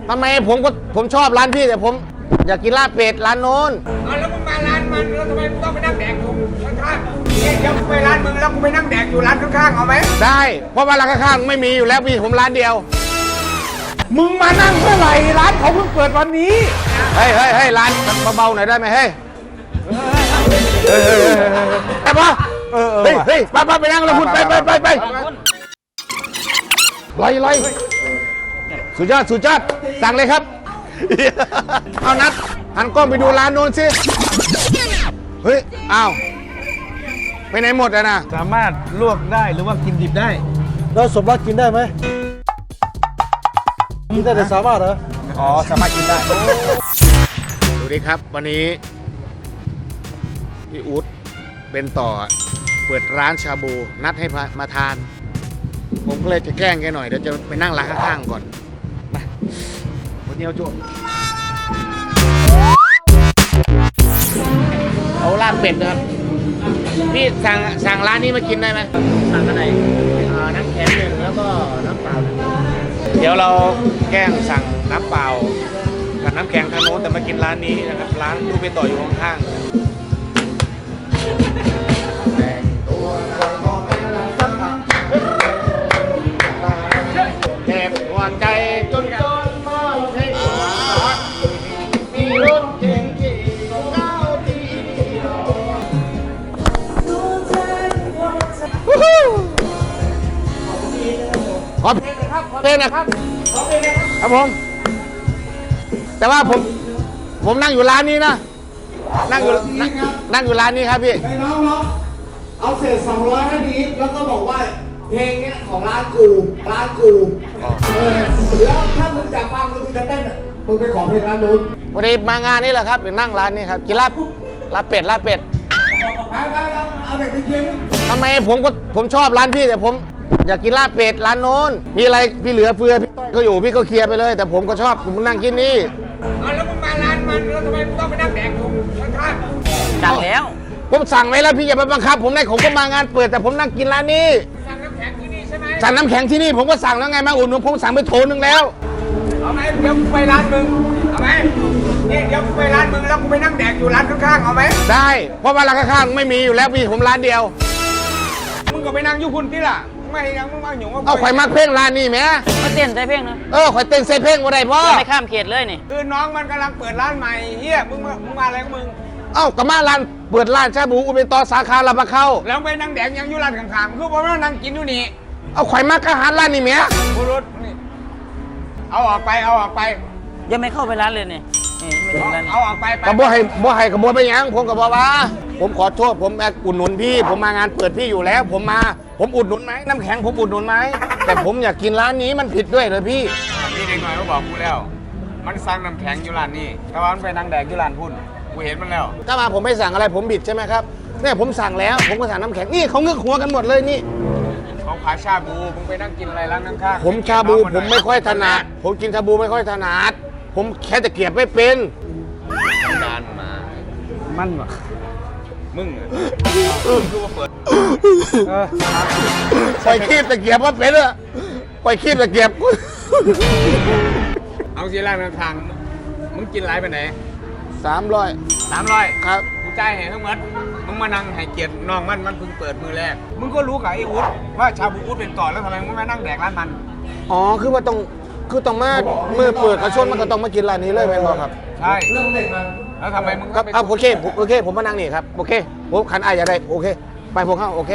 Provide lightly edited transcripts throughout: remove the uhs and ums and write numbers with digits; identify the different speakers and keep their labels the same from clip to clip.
Speaker 1: ทำไมผมชอบร้านพี่แต่ผมอยากกินลาบเป็ดร้านโน้น
Speaker 2: แล้วมึงมาร้านมันแล้วทำไมมึงต้องไปนั่งแดกอยู่ข้างๆเนี่ยเดี๋ยวกูไปร้านมึงแล้วกูไปนั่งแดกอยู่ร้านข้างๆเอาไหม
Speaker 1: ได้เพราะว่าร้านข้างๆไม่มีอยู่แล้วพี่ผมร้านเดียว
Speaker 3: มึงมานั่งเมื่อไหร่ร้านเขาเพิ่งเปิดวันนี้
Speaker 1: เฮ้ยร้านเบาๆหน่อยได้ไหมเฮ้ยแต่ปะเฮ้ยไปนั่งแล้วคุณไปลอยสุดยอดสั่งเลยครับเอานัดหันกล้องไปดูร้านโน้นสิเฮ้ยอ้าวไปไหนหมดอะนะ
Speaker 3: สามารถลวกได้หรือว่ากินดิบได้
Speaker 4: แล้วสมรักกินได้ไหมกินได้แต่สามารถเหรอ
Speaker 3: อ๋อสามารถกินได้
Speaker 1: ดูดิครับวันนี้พี่อู๊ดเป็นต่อเปิดร้านชาบูนัดให้มาทานผมก็เลยจะแกล้งแกหน่อยเดี๋ยวจะไปนั่งร้านข้างๆก่อนไปวันนี้เอาจุเอาลาบเป็ดนะครับพี่สั่งร้านนี้มากินได้ไหมสั่งอะไรน้ำแข็งหนึ่งแล้วก็น้ำเปล่าเดี๋ยวเราแกล้งสั่งน้ำเปล่ากับน้ำแข็งทางโน้นแต่มากินร้านนี้นะครับร้านดูไปต่ออยู่ข้างๆเจ็บหัวใจจนมองให้หัวมีรถเก่งขี่ก้าวทีขอเพลงนะครับครับผมแต่ว่าผมนั่งอยู่ร้านนี้นะนั่งอยู่ร้านนี้ครับพี่
Speaker 2: ไอ้น้องเอาเศษ200ให้ดีแล้วก็บอกว่าเพลงเนี้ยของร้านกูแล้วถ้ามึงจะฟังมึงจะเต้นมึงไปขอเพลงร้านนู้น
Speaker 1: วันนี้มางานนี้แหละครับเป็นนั่งร้านนี้ครับกินลาบเป็ด
Speaker 2: เอาเด็กไปกิน
Speaker 1: ทำไมผมชอบร้านพี่แต่ผมอยากกินลาบเป็ดร้านโน้นมีอะไรพี่เหลือเฟือพี่ก็อยู่พี่ก็เคลียร์ไปเลยแต่ผมก็ชอบผมนั่งกินนี่
Speaker 2: แล้วมึงมาร้านมันแล้วทำไมมึงต้องไปนั่งแดกอยู่ข้าง
Speaker 1: ๆสั่งแล้วผมสั่งไว้แล้วพี่อย่าไปบังคับผมได้ผมก็มางานเปิดแต่ผมนั่งกินร้านนี้
Speaker 2: สั่งน้ำแข็งที่นี่ใช่ไหม
Speaker 1: สั่งน้ำแข็งที่นี่ผมก็สั่งแล้วไงมาอุ่นผมสั่งไปโถนึงแล้ว
Speaker 2: เอาไหมเดี๋ยวกูไปร้านมึงเอาไหมนี่เดี๋ยวกูไปร้านมึงแล้วกูไปนั่งแดกอยู่ร้านข้างๆเอาไหม
Speaker 1: ได้เพราะว่าร้านข้างๆไม่มีอยู่แล้วพี่ผมร้านเดียว
Speaker 2: มึงก็ไปนั่งอยู่คุณที่ล่ะไม่ยังมึงมาหยุ่ง
Speaker 1: เอาข่อยมาเพ่งร้านนี้ไหม
Speaker 5: มาเต้นใส่เพลงนะ
Speaker 1: ข่อยเต้นใส่เพลงบ่ได้พ่อ
Speaker 5: ไม่ข้ามเขตเลยนี่
Speaker 2: คือน้องมันกำลังเปิดร้านใหม่เฮียมึงมาอะไรของมึง
Speaker 1: ก็มาร้านเปิดร้านชาบูอุเบนตอสาขาลาบะเข้า
Speaker 2: แล้วไปนั่งแดกยังอยู่ร้านข้างๆคือผมว่านั่งกินอยู่นี่
Speaker 1: เอาข่อยมากระหารร้านนี้ไหม
Speaker 2: บุรุษนี่เอาออกไป
Speaker 5: ยังไม่เข้าไปร้านเลยนี่ไม่ถึงร้าน
Speaker 2: เอาออกไป
Speaker 1: กระโบให้กระโบไปยังผมกระโบว่าผมขอโทษผมอุดหนุนพี่ผมมางานเปิดพี่อยู่แล้วผมอุดหนุนไหมน้ำแข็งผมอุดหนุนไหมแต่ผมอยากกินร้านนี้มันผิดด้วยเลยพี่
Speaker 2: เด็กหน่อยเขาบอกกูแล้วมันสั่งน้ำแข็งอยู่ร้านนี้แต่ว่ามันไปนั่งแดกอยู่ร้านพุ่นกูเห็นมันแล้ว
Speaker 1: ถ้ามาผมไม่สั่งอะไรผมบิดใช่ไหมครับเนี่ยผมสั่งแล้วผมก็สั่งน้ำแข็งนี่เขาเงือกหัวกันหมดเลยนี่
Speaker 2: เขาขายชาบูมึงไปนั่งกินอะไรร้านข้าง
Speaker 1: ๆผมชาบูผมไม่ค่อยถนัดผมกินชาบูไม่ค่อยถนัดผมแค่ตะเกียบไม่เป็น
Speaker 2: นานมา
Speaker 3: มันวะ
Speaker 2: มึงคือว่าเปิด
Speaker 1: ปล่อยคีบตะเกียบว่าเป็นอะปล่อยคีบตะเกียบ
Speaker 2: เอาสิร้านข้างมึงกินไรไปไหน
Speaker 1: 300ครับ
Speaker 2: กูจ่ายให้ทั้งหมดมึงมานั่งให้เกียรติน้องมันเพิ่งเปิดมือแรกมึงก็รู้กับไอ้อุ๊ดว่าชาบูอุ๊ดเป็นก่อนแล้วทำไมมึงไม่นั่งแดกร้านมัน
Speaker 1: คือว่าต้องมาเมื่อเปิดกระชนมันก็ต้องมากินร้านนี้เลยแม่นบ่ครับ
Speaker 2: ใช่เรื่องเด็กมันแล้วทำไมมึง
Speaker 1: ครับโอเคผมมานั่งนี่ครับโอเคผมขันอย่าได้โอเคไปพวกเข้าโอเค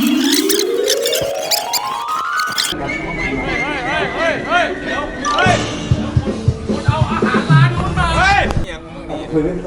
Speaker 2: คุณเอาอาหารร้านคุณมาอย่างมึงดี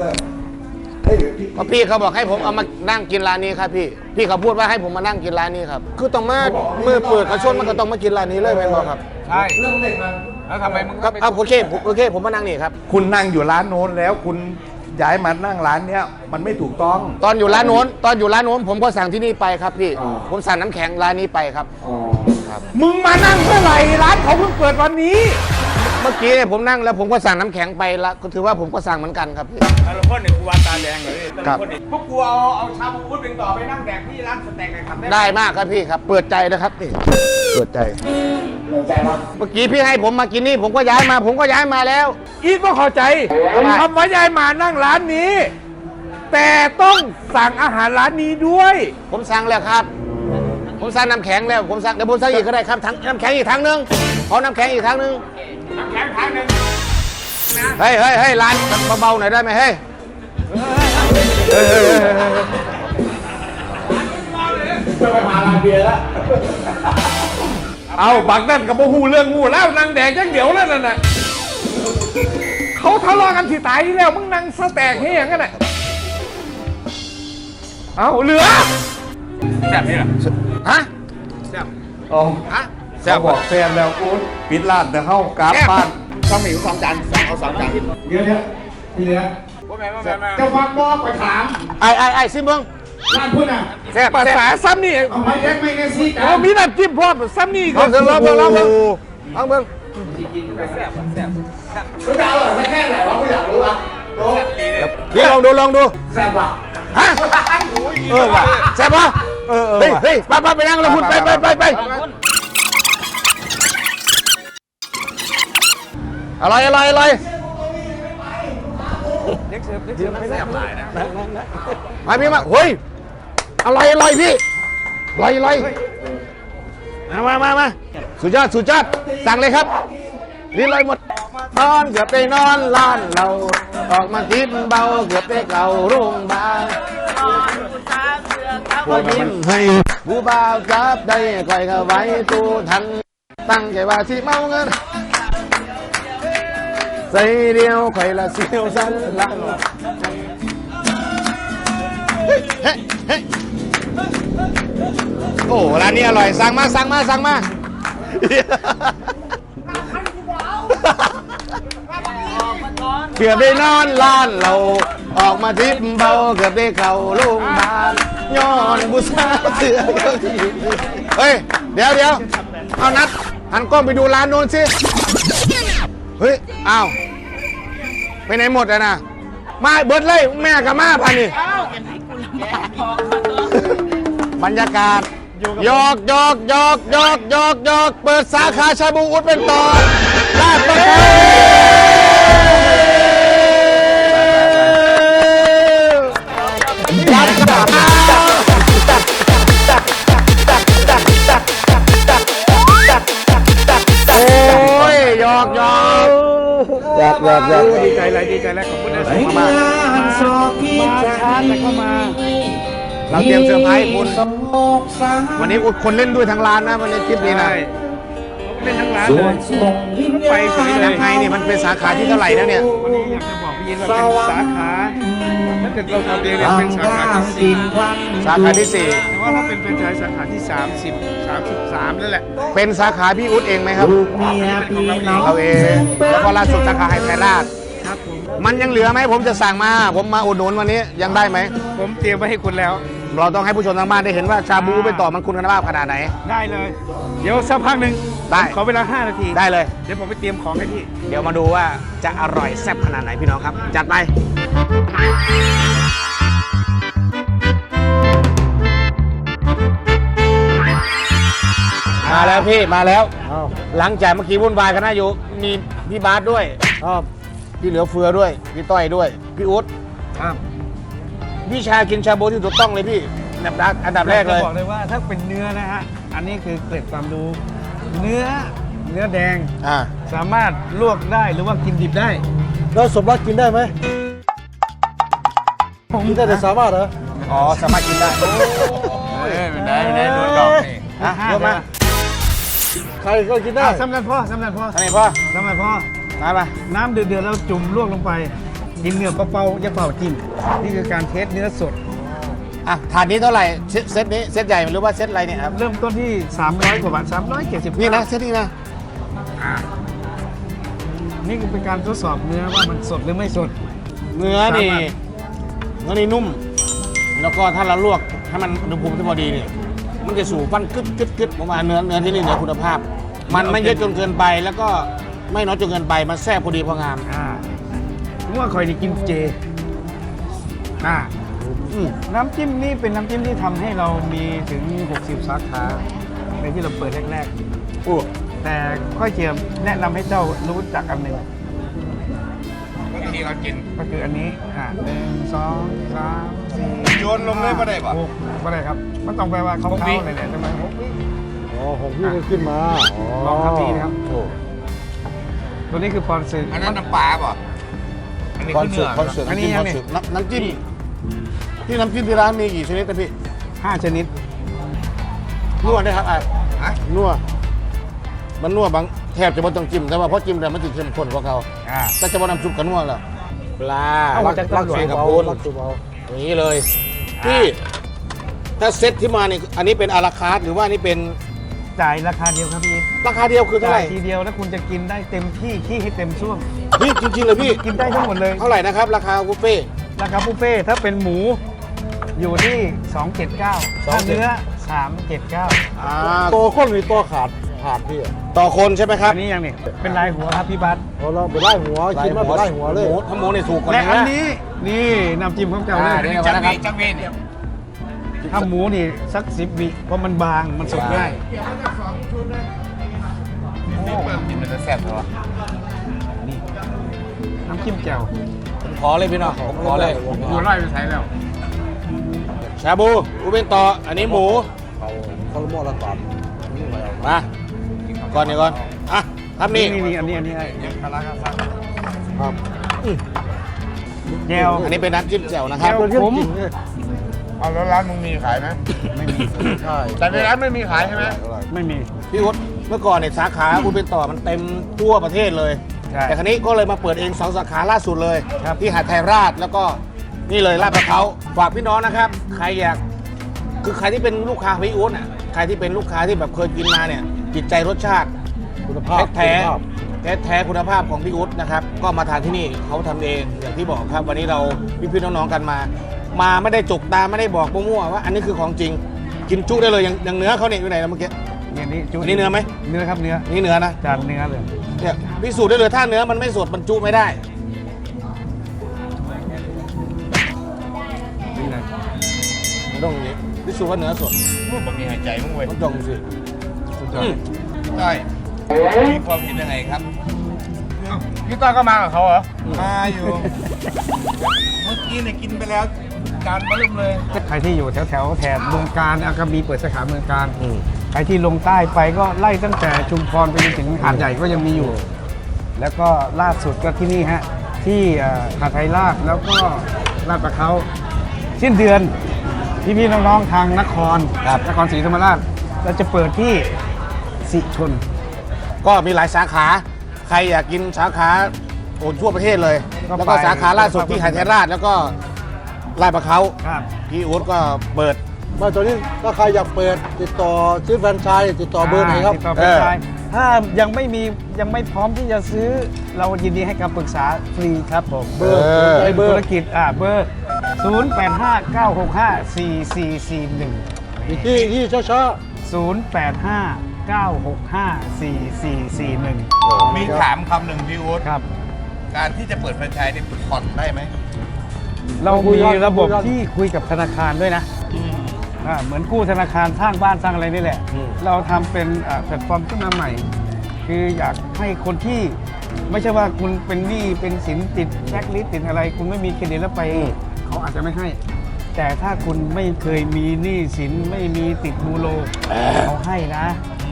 Speaker 1: พี่เขาบอกให้ผมเอามานั่งกินร้านนี้ครับพี่เขาพูดว่าให้ผมมานั่งกินร้านนี้ครับคือต้องมาเมื่อเปิดกระชนมันก็ต้องมากินร้านนี้เลยแม่นบ่ครับ
Speaker 2: ใช่เรื่องเด็กมันแล้วทำไมมึง
Speaker 1: ครับโอเคผมมานั่งนี่ครับ
Speaker 3: คุณนั่งอยู่ร้านโน้นแล้วคุณย้ายมานั่งร้านเนี้ยมันไม่ถูกต้อง
Speaker 1: ตอนอยู่ร้านโน้นผมก็สั่งที่นี่ไปครับพี่ผมสั่งน้ำแข็งร้านนี้ไปครับ
Speaker 3: มึงมานั่งเมื่อไหร่ร้านเขาเพิ่งเปิดวันนี้
Speaker 1: เมื่อกี้ผมนั่งแล้วผมก็สั่งน้ำแข็งไปละก็ถือว่าผมก็สั่งเหมือนกันครับพี่
Speaker 2: แต่ละคนเนี่ยกูวาตาแดงเลยแต่
Speaker 1: ครั
Speaker 2: ละ
Speaker 1: บ
Speaker 2: คนเนี่ยพวกกูเอาชาบูอุดเป็นต่อไปนั่งแดกที่ร้านสเต็กเลยครับ
Speaker 1: ได้มากครับพี่ครับ เปิดใจนะครับนี่เปิดใจเมื่อกี้พี่ให้ผมมากินนี่ผมก็ย้ายมาแล้ว
Speaker 3: อีทก็เข้าใจคำว่ายายมานั่งร้านนี้ แต่ต้องสั่งอาหารร้านนี้ด้วย
Speaker 1: ผมสั่งแล้วครับ ผมสั่งน้ำแข็งแล้วผมสั่งเดี๋ยวผมสั่งอีกก็ได้ครับทั้งน้ำแข็งอีกทั้งนึงขอน้ำแข็งอีกทั้งนึง
Speaker 2: น้ำแข็งทางหนึ่ง
Speaker 1: เฮ้ยร้านเบาๆหน่อยได้ไหมเฮ้ย
Speaker 3: เอาบักนั่นกับโมหูเรื่องงูแล้วนางแดงยังเดี๋ยวแล้วนั่นน่ะเขาทะเลาะกันที่ตายแล้วมึงนั่งสแต็กให้ยังกันน่ะเอาเหลือ
Speaker 2: แซ่บนี่เหรอ
Speaker 1: ฮะ
Speaker 2: แซ่บ
Speaker 3: อ๋อ
Speaker 1: ฮะ
Speaker 3: แซ่บบอกแฟนแล้วกูปิดร้านแต่เข้ากราบบ้าน
Speaker 2: ต้องมี2 จานสั่งเอา2 จาน
Speaker 3: เดี๋ยวพี่เหลือ
Speaker 2: ว่าแม่
Speaker 3: จะฟังบอกไปถาม
Speaker 1: ไอ้ซิมึง
Speaker 3: ร้านพุ่นอ่ะ
Speaker 1: แซ่บ
Speaker 3: ภาษาซ้ำนี่
Speaker 2: เอาไม่แยกไม่แน่สิ
Speaker 3: โอ้มีน้ำจิ้มพร้อมซ้ำนี่
Speaker 1: ลองเถอะลองเบิ่งลองเบิ่ง
Speaker 2: แซ่บแซ่บ
Speaker 3: รู้ดาวเหรอไม่แค่ไหนวะกูอยากรู้อ่ะ
Speaker 1: พี่ลองดู
Speaker 3: แซ่บว่ะ
Speaker 1: ฮะว่ะแซ่บป่ะเฮ้ยไปนั่งแล้วคุณไปอร่อย
Speaker 2: เล็กเสิร์ฟมันแซ่บหลายนะ
Speaker 1: มาพี่มาเฮ้ยอร่อยพี่อร่อยมาสุดยอดสั่งเลยครับลิ้นลอยหมดนอนเกือบไปนอนล้านเราออกมากินเบาเกือบไปเก่าโรงพยาบาลพอยิ้มให้ผู้บ่าวจับได้คอยเข้าไว้ตู้ทันตั้งใจว่าที่เมาเงินใส่เดียวคอยละเสียวสันหลังเฮ้ยโอ้ร้านนี้อร่อยสั่งมาเกือบได้นอนล้านเราออกมาทิพเบาเกือบได้เข่าโรงพยาบาลย้อนบุษาเสือเฮ้ยเดี๋ยวเอานัดหันกล้องไปดูร้านโน้นสิเฮ้ยอ้าวไปไหนหมดอะนะมาเบิดเลยแม่กับมาพันนี่บรรยากาศยอกเปิดสาขาชาบูอุดเป็นต่อลาดประเขาโอ้ยยอก
Speaker 2: ดีใจแล้วขอบคุณนะมาช้าแต่ก็มา
Speaker 1: เราเตรียมเซอร์ไพรส์คุณวันนี้อุดคนเล่นด้วยทั้งร้านนะวันนี้คลิปนี้นะ
Speaker 2: เป็นทั้งร้านเลยไปสวยเล
Speaker 1: ยัง
Speaker 2: ย
Speaker 1: ไงนี่มันเป็นสาขาที่เท่าไหร่แล้วเนี่ย
Speaker 2: วันนี้อยากจะบอกพี่ยินว่าเป็นสาขาถ้าเกิดเราทำเองเนี่ยเป็นสาขาที่4
Speaker 1: สาขาที่
Speaker 2: แต่ว่าถ้าเป็นแฟรนไชส์สาขาที่33นั่นแหละ
Speaker 1: 4เป็นสาขาพี่อุดเองไหมครับเราเองแล้วก็ล่าสุดสาขาไฮไทยราช
Speaker 2: ครับผม
Speaker 1: มันยังเหลือไหมผมจะสั่งมาผมมาอุดหนุนวันนี้ยังได้ไหม
Speaker 2: ผมเตรียมไว้ให้คุณแล้ว
Speaker 1: เราต้องให้ผู้ชมทางบ้านได้เห็นว่าชาบูเป็นต่อมันคุณภาพขนาดไหน
Speaker 2: ได้เลย เดี๋ยวสักพักหนึ่ง
Speaker 1: ได้
Speaker 2: ขอเวลา5 นาที
Speaker 1: ได้เลย
Speaker 2: เดี๋ยวผมไปเตรียมของให้พี่
Speaker 1: เดี๋ยวมาดูว่าจะอร่อยแซ่บขนาดไหนพี่น้องครับ จัดไปมาแล้วพี่มาแล้ว
Speaker 4: อ้าว
Speaker 1: หลังจากเมื่อกี้วุ่นวายกันนะอยู่มีพี่บาสด้วย
Speaker 4: อ้าว
Speaker 1: พี่เหลือเฟือด้วยพี่ต้อยด้วยพี่อุ๊ด
Speaker 2: ครับ
Speaker 1: พี่ชากินชาบูที่ถูกต้องเลยพี่อันดับแรกเลย
Speaker 2: จะบอกเลยว่าถ้าเป็นเนื้อนะฮะอันนี้คือเกร็ดความรู้เนื้อแดง
Speaker 1: อ่า
Speaker 2: สามารถลวกได้หรือว่ากินดิบได้
Speaker 4: แล้วสมรักกินได้ไหมกินได้แต่สามารถเหรอ
Speaker 1: อ๋อสามารถกินได้
Speaker 2: ไม่ได้โดนดอกนี่
Speaker 1: อ่ะยกมา
Speaker 4: ใครก็กินได้
Speaker 2: สำเร็จพ่อ
Speaker 1: อันนี้พ่อ
Speaker 2: สำเร็จพ่อ
Speaker 1: มาปะ
Speaker 2: น้ำเดือดๆแล้วจุ่มลวกลงไปกินเนื้อเปล่าๆอย่าเปล่ากินนี่คือการเทสเนื้อสด
Speaker 1: อ่ะถาดนี้เท่าไหร่เซตนี้เซตใหญ่หรือว่าเซตอะไรเนี่ยครับ
Speaker 2: เริ่มต้นที่300 กว่าบาท370
Speaker 1: นี่นะเซตนี้นะ
Speaker 2: นี่คือเป็นการทดสอบเนื้อว่ามันสดหรือไม่สด
Speaker 1: เนื้อนี่นุ่ม แล้วก็ถ้าเราลวกให้มันอุณหภูมิที่พอดีเนี่ยมันจะสู่ฟันกึดผมว่าเนื้อที่นี่เนื้อคุณภาพ มันไม่เยอะจนเกินไปแล้วก็ไม่น้อยจนเกินไปมันแซ่บพอดีพองาม
Speaker 3: ผมว่าคอยนี่กินเจน้ำจิ้มนี่เป็นน้ำจิ้มที่ทำให้เรามีถึง 60 สาขาในที่เราเปิดแรกๆแต่ค่อยเจียมแนะนำให้เจ้ารู้จักอันหนึ่ง
Speaker 2: ที่เรากิน
Speaker 3: ก็คืออันนี้1 2 3 4
Speaker 2: โยนลงเลยบ่ได้ปะ
Speaker 3: 6ไม่ได้ครับมันต้องแปลว่าเขาๆเลยเนี่ยทำไม6วิ
Speaker 4: อ๋อของพี่ก็ขึ้นมา
Speaker 3: ลองครับพี่นะครับ
Speaker 4: โอ้
Speaker 3: ตัวนี้คือปอนซึ
Speaker 2: อันนั้นน้ำปลาป่ะอันนี้
Speaker 1: คอน
Speaker 2: คือ
Speaker 1: เสิ
Speaker 2: เนื้
Speaker 1: ร์ต
Speaker 2: อ
Speaker 1: คอนเสิร์ตน้ำจิ้มที่น้ำจิ้มที่ร้านมีกี่ชนิดนะพี่
Speaker 3: 5 ชนิด
Speaker 1: นวดได้ครับ
Speaker 2: ฮะ
Speaker 1: นวดมันนวดบางแทบจะไม่ต้องจิ้มแต่ว่าพอจิ้มแล้วมันจะเข้มข้นกว่าเขาก็จะมาน้ำซุปกับนวดแล้วปลา
Speaker 3: เอามาจากตำรวจ
Speaker 1: เสียกับ
Speaker 4: เบา
Speaker 1: ปูน
Speaker 4: รักตัวเบา
Speaker 1: อย่างนี้เลยพี่ถ้าเซ็ตที่มานี่อันนี้เป็นอาราคาร์ทหรือว่านี่เป็น
Speaker 3: จ่ายราคาเดียวครับพี่
Speaker 1: ราคาเดียวคือเท่าไห
Speaker 3: จ่าย
Speaker 1: ร่
Speaker 3: ทีเดียวแล้วคุณจะกินได้เต็มที่ขี้ให้เต็มช่วง
Speaker 1: พี่จริงๆเลยพี่
Speaker 3: กินได้ทั้งหมดเลย
Speaker 1: เท่าไหร่นะครับ ราคาบุฟเฟ่ต์
Speaker 3: ราคาบุฟเฟ่ต์ถ้าเป็นหมูอยู่ที่ 279ถ้าเนื้อ 379
Speaker 4: ตัวข้นมีตัวขาดพี่อะ
Speaker 1: ต่อคนใช่ไหมครับ
Speaker 3: อันนี้ยังนี่เป็นลายหัวครับพี่บัส
Speaker 4: พอเราไปไล่หัวกินมาไปไล่หัวเลย
Speaker 1: หมูถ้าหมูเนี่ยถูกกว่า
Speaker 3: และ
Speaker 1: เนื้
Speaker 3: อัน
Speaker 1: อ
Speaker 3: นี้นี่น้ำจิ้มของเก่าเลย
Speaker 1: นี่
Speaker 2: จังเวจังเวเนี่ย
Speaker 3: ถ้าหมูนี่สัก10 วิเพราะมันบางมันสุกง่าย
Speaker 2: นี่เปิดกินมันจะแซ่บเหรอ
Speaker 3: นี่น้ำจิ้มแจ่ว
Speaker 1: ผมขอเลยพี่น้องผมขอเลย
Speaker 3: อยู่ไล่ไปใช้แล้ว
Speaker 1: ชาบูอูเป็นต่ออันนี้หมู
Speaker 4: เอาคอลโมละก่อนนี่ไปเอา
Speaker 1: มาก่อนนี่ก่อนอ่ะครับนี่
Speaker 3: นี่อันนี้
Speaker 2: คาราคาซัง
Speaker 4: ครับ
Speaker 3: แจ่ว
Speaker 1: อันนี้เป็นน้ำจิ้มแจ่วนะครับ
Speaker 3: แจ่ว
Speaker 4: เป็นเรื่องจริงเนี่ย
Speaker 2: เอาแล้วร้านมึงมีขายไหม
Speaker 3: ไม่มี
Speaker 4: ใช่
Speaker 2: แต่ในร้านไม่มีขายใช่ไหม
Speaker 3: ไม่มี
Speaker 1: พี่อุ๊ดเมื่อก่อนเนี่ยสาขาอูเป็นต่อมันเต็มทั่วประเทศเลย
Speaker 3: ใช่
Speaker 1: แต่ครั้นี้ก็เลยมาเปิดเอง2 สาขาล่าสุดเลย
Speaker 3: ครับ
Speaker 1: ที่หาดไทยราชแล้วก็นี่เลยลาดพร้าวฝากพี่น้องนะครับ ใครอยากคือใครที่เป็นลูกค้าพี่อุ๊ดอ่ะใครที่เป็นลูกค้าที่แบบเคยกินมาเนี่ยจิตใจรสชาติ
Speaker 4: คุณภาพ
Speaker 1: แท้
Speaker 4: คุณภาพ
Speaker 1: แท้คุณภาพของพี่อุ๊ดนะครับก็มาทานที่นี่เขาทำเองอย่างที่บอกครับ วันนี้เราพี่ๆน้องๆกันมาไม่ได้จกตาไม่ได้บอกมั่วๆว่าอันนี้คือของจริงกินจุได้เลยอย่างเนื้อเขาเนี่ยอยู่ไหนนะเมื่อกี้
Speaker 3: อย่างนี้จุ
Speaker 1: อันนี้เนื้อไหม
Speaker 3: เนื้อครับเนื้อ
Speaker 1: นี่เนื้อนะ
Speaker 3: จานเนื้อเลย
Speaker 1: เนี่ยพิสูจน์ได้เลยถ้าเนื้อมันไม่สดมันจุไม่ได้
Speaker 3: นี่เลย
Speaker 1: มันต้องอย่างนี้พิสูจน์ว่าเนื้อสด
Speaker 2: บอกมีหายใจมึงเว้ย
Speaker 1: มันต้องสิ
Speaker 3: สุดยอด
Speaker 2: ใช่มีความเห็นยังไงครับ
Speaker 3: พี่ต้อยก็มากับเขาเหรอ
Speaker 2: มาอยู่ เมื่อกี้เนี่ยกินไปแล้วจานมาเริ่มเลย
Speaker 3: ใครที่อยู่แถวแถบเมืองการอากาบีเปิดสาขาเมืองการ
Speaker 1: อืม
Speaker 3: ใครที่ลงใต้ไปก็ไล่ตั้งแต่ชุมพรไปจนถึงหาดใหญ่ก็ยังมีอยู่ แล้วก็ล่าสุดก็ที่นี่ฮะที่หาดไทยราชแล้วก็ลาดประเขาสิ้นเดือนพี่ๆน้องๆทางนครศรีธรรมราชเราจะเปิดที่สิชน
Speaker 1: ก็มีหลายสาขาใครอยากกินสาขาโอ้ทั่วประเทศเลย
Speaker 3: ก็
Speaker 1: แล้วก็
Speaker 3: ไป
Speaker 1: สาขาล่าสุดที่หาดไทยราชแล้วก็ลาดประเขา
Speaker 3: ครับ
Speaker 1: พี่อุ๊ดก็เปิด
Speaker 4: มาตอนนี้ถ้าใครอยากเปิดติดต่อซื้อแฟรนไชส์ติดต่อเบอร์ไหนครับ
Speaker 3: ติดต่อเป็นชายถ้ายังไม่พร้อมที่จะซื้อเรายินดีให้คำปรึกษาฟรีครับผม
Speaker 4: เบอร์
Speaker 3: เป็น
Speaker 4: เบอ
Speaker 3: ธุ
Speaker 4: ร์
Speaker 3: รกิจเบอร์ 0859654441
Speaker 4: อีกที่ช้า
Speaker 3: 0859654441
Speaker 2: มีถามคำหนึ่งพี่วุฒิ
Speaker 3: ครับ
Speaker 2: การที่จะเปิดแฟรนไชส์นี่ผ่อนได้ไหม
Speaker 3: เรามีระบบที่คุยกับธนาคารด้วยนะเหมือนกู้ธนาคารสร้างบ้านสร้างอะไรนี่แหละ
Speaker 1: อืม
Speaker 3: เราทำเป็นแพลตฟอร์มขึ้นมาใหม่ คืออยากให้คนที่ไม่ใช่ว่าคุณเป็นหนี้เป็นสินติดแบล็คลิสต์ติดอะไร คุณไม่มีเครดิตแล้วไปเขาอาจจะไม่ให้ แต่ถ้าคุณไม่เคยมีหนี้สินไม่มีติดบูโรเขาให้นะ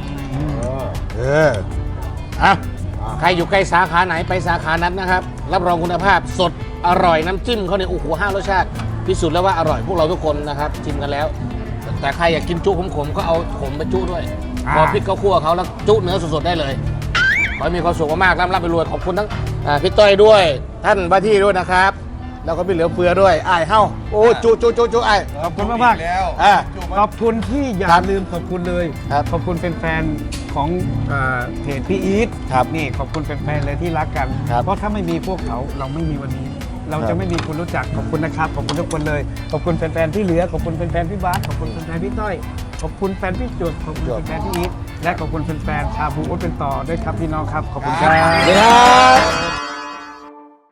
Speaker 1: อ่ะใครอยู่ใกล้สาขาไหนไปสาขานั้นนะครับ รับรองคุณภาพสดอร่อยน้ำจิ้มเขาเนี่ยโอ้โห5 รสชาติพิสูจน์แล้วว่าอร่อยพวกเราทุกคนนะครับชิมกันแล้ว แต่ใครอยากกินจุขมๆก็เอาขมไปจุด้วยพอพริกเขาคั่วเขาแล้วจุเนื้อสดๆได้เลยขอให้มีความสุขมากๆร่ำไปรวยขอบคุณทั้งพี่ต้อยด้วย ท่านว่าที่ด้วยนะครับ แล้วก็พี่เหลือเฟือด้วยอ้ายเฮ้าโอ้จุไอ้าย
Speaker 3: ขอบคุณมากๆ
Speaker 2: แล้ว
Speaker 3: ขอบคุณที่อย่า
Speaker 1: ครับ
Speaker 3: ลืมขอบคุณเลย
Speaker 1: ครับ
Speaker 3: ขอบคุณแฟนๆของเพจพี่อีท
Speaker 1: ครับ
Speaker 3: นี่ขอบคุณแฟนๆเลยที่รักกัน
Speaker 1: ครับ
Speaker 3: เพราะถ้าไม่มีพวกเขาเราไม่มีวันนี้ เรา
Speaker 1: ครั
Speaker 3: จะ
Speaker 1: บ
Speaker 3: ไม่มีคุณรู้จักขอบคุณนะครับขอบคุณทุกคนเลยขอบคุณแฟนๆที่เหลือขอบคุณแฟนๆพี่บาสขอบคุณแฟนๆพี่ต้อยขอบคุณแฟนพี่จุดขอบคุณแฟนๆพี่อีทและขอบคุณแฟนๆชาบูโอ๊ตเป็นต่อด้วยครับพี่น้องครับขอบคุณครับ
Speaker 4: สวัสดีครับ